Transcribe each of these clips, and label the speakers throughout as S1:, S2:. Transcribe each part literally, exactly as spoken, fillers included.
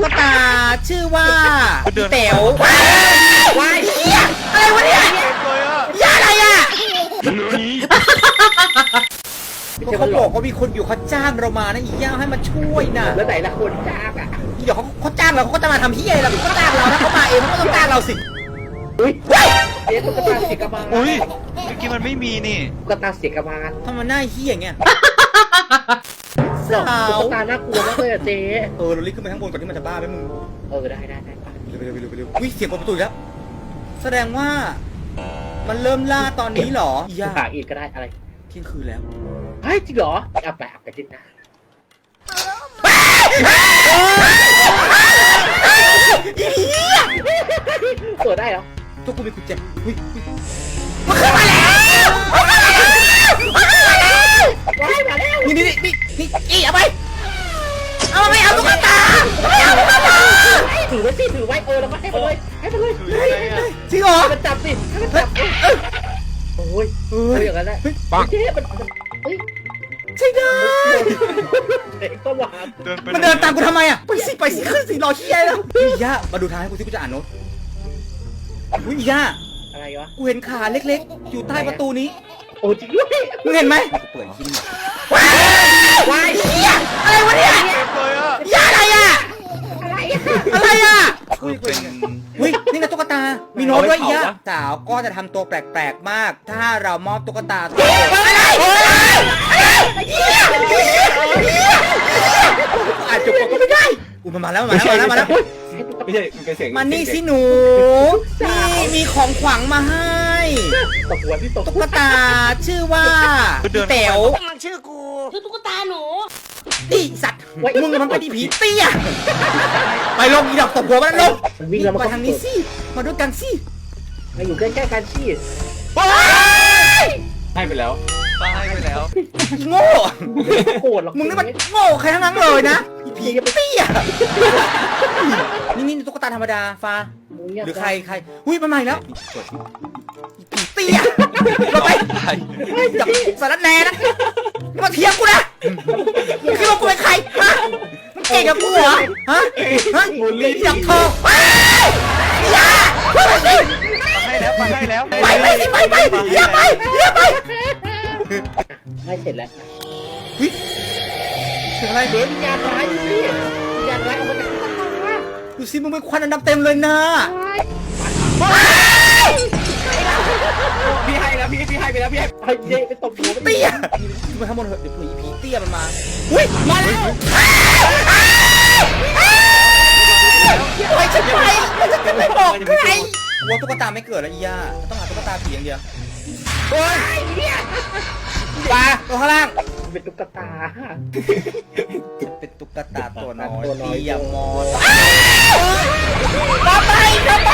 S1: ตุ๊กตาชื่อว่าเต๋ววายเหี้ยอะไรวะเนี่ยยาอะไรอ่ะเขาบอกว่ามีคนอยู่เขาจ้างเรามานะอีย่าให้มาช่วยนะ
S2: แล้วไหนละคนจ้างอ่ะ
S1: เดี๋ยวเขาเขาจ้างเราเขาก็จะมาทำที่อะไรเราเขาจ้างเราถ้าเขามาเองเขาก็ต้องจ้างเราสิ
S2: อุ้ยเจ๊ตุ๊กตาเสียกระบาล
S3: อุ้ยเมื่อกี้มันไม่มีนี่
S2: ตุ๊กตาเสียกระบาล
S1: ทำมันหน้าเหี้ยอย่างเงี้ย
S2: สาวตุ๊กตาน่ากลัวมากเลยอะเจ๊
S1: เออเรารีบขึ้นไปข้างบนก่อนที่มันจะบ้าไหมมึง
S2: เออได้ได้ได้ไป
S1: เร็วไปเร็วไปเร็วไปเร็วอุ้ยเสียงประตูแล้วแสดงว่ามันเริ่มล่าตอนนี้หรอ
S2: อย่าอีกก็ได้อะไร
S1: เที่ยงคืนแล้ว
S2: เฮ้ยจริงเหรอเอาไปเอาไปจิตนะเปิดได้เหรอ
S1: ทุกคนมีกุญแจอุ้ยมันขึ้นมาแล้วมันขึ้นมาแล้ว
S2: ว้ายมาแล้ว
S1: นี่นี่นี่นี่อีเอาไปเอาไปเอาตุ๊กตาไม่เอาตุ๊กตา
S2: ถือไว้สิถือไว้เออแล้วมาให้ไปเลยให้ไปเลย
S1: จริงเหรอ
S2: มันจับสิมันจับโอ้ยเอออย่างนั้นแหละเจ๊มันเฮ้ย
S1: ใช่ได้
S2: เด็กก็หวาน
S1: มันเดินตามกูทำไมอ่ะไปสิไปสิขึ้นสิรอเชี่ยแล้วอีย่ามาดูทางให้กูสิกูจะอ่านโน้ตอุ้ยอีย่า
S2: อะไรวะ
S1: กูเห็นขาเล็กๆอยู่ใต้ประตูนี้
S2: โอ้จริงด้วย
S1: มึงเห็นไหมเปิดชิ้นว้ายว้ายเฮียอะไรวะเนี่ยยาอะไรอ่ะอะไรอ่ะ
S3: เป็น
S1: เฮ้ยนี่ไงตุ๊กตามีโน้ตด้วยอีย่าสาวก็จะทำตัวแปลกๆมากถ้าเรามอบตุ๊กตาตัวอะไรอาจจะก็ไม่ได้อุ้ยมันมาแล้วมาแล้วมาแล้วมาแล้ว
S3: ไม่ใช่มันเป็นเสียง
S1: มันนี่สิหนูนี่มีของขวัญมาให้
S2: ตกหัวที่ตก
S1: ตุ๊กตาชื่อว่าเต๋ว
S4: มันชื่อกูชื่อตุ๊กตาหนู
S1: ตีสัตว์มึงมันไปดีผีเตี้ยไปลงอีดอกตบหัวมันลง
S2: วิ่งแล้วมา
S1: ทางนี้สิมาด้วยกันสิ
S2: มาอยู่ใกล้ๆกันสิ
S3: ให้ไปแล้วให้ไปแล้ว
S1: โง่
S2: โกรธหรอก
S1: มึงนี่มันโง่ใครทั้งนั้นเลยนะผีเตี้ยนี่นี่ตุ๊กตาธรรมดาฟ้าหรือใครใครหุ้ยมาใหม่แล้วผีเตี้ยเราไปจับสารแหน่นะมาเทียมกูนะมึงคิดว่ากูเป็นใครฮะมึงเก่งกับกูเหรอฮะฮะจับทองอย่าไปสิ
S3: ให้แล้วไปให้แล้ว
S1: ไปไปสิไปไปอย่าไปอย่าไป
S2: ให้เสร็จแล้ว
S1: เฮ้ยเสียงอะไร
S2: เดี๋ยววิญญาณร้ายสิวิญญาณร้ายออกมาจากตุ๊กตา
S1: ดูสิมึงเป็นควันอันดำเต็มเลยนะ
S2: พี่ให้แล้วพี่พี่ให้ไปแล้วพี่ให้ไอ้เจ๊ไปตบหัว
S1: เตี้ยมาทั้งหมดเถอะเดี๋ยวผีผีเตี้ยมันมาอุ้ยมาแล้วไปฉันไปฉันไม่บอกใครวัวตุ๊กตาไม่เกิดแล้วอีย่าต้องหาตุ๊กตาผีอย่างเดียวโอ้ยปลาตัวข้างล่าง
S2: เป็นตุ๊กตา
S1: เป็นตุ๊กตาตัวน้อยตียามอสมาไปมาไป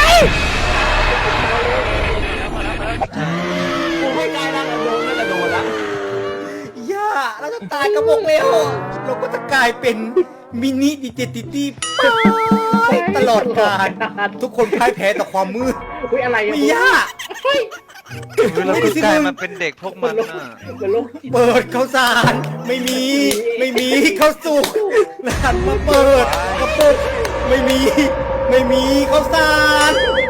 S2: กูไม่ได้แล้วโดนแล้วโดนละ
S1: ย่าเราจะตายกระบอกแล้วเราก็จะกลายเป็นมินิดิเจติตี้ตลอดกาลทุกคนพ่ายแพ้ต่อความมืด
S2: อุ้ยอะไร
S1: มีย่า
S3: เราก็กลายมาเป็นเด็กพวกมันน่ะ
S1: เปิดข้าวสารไม่มีไม่มีข้าวสุกหันมาเปิดกระปุกไม่มีไม่มีข้าวสาร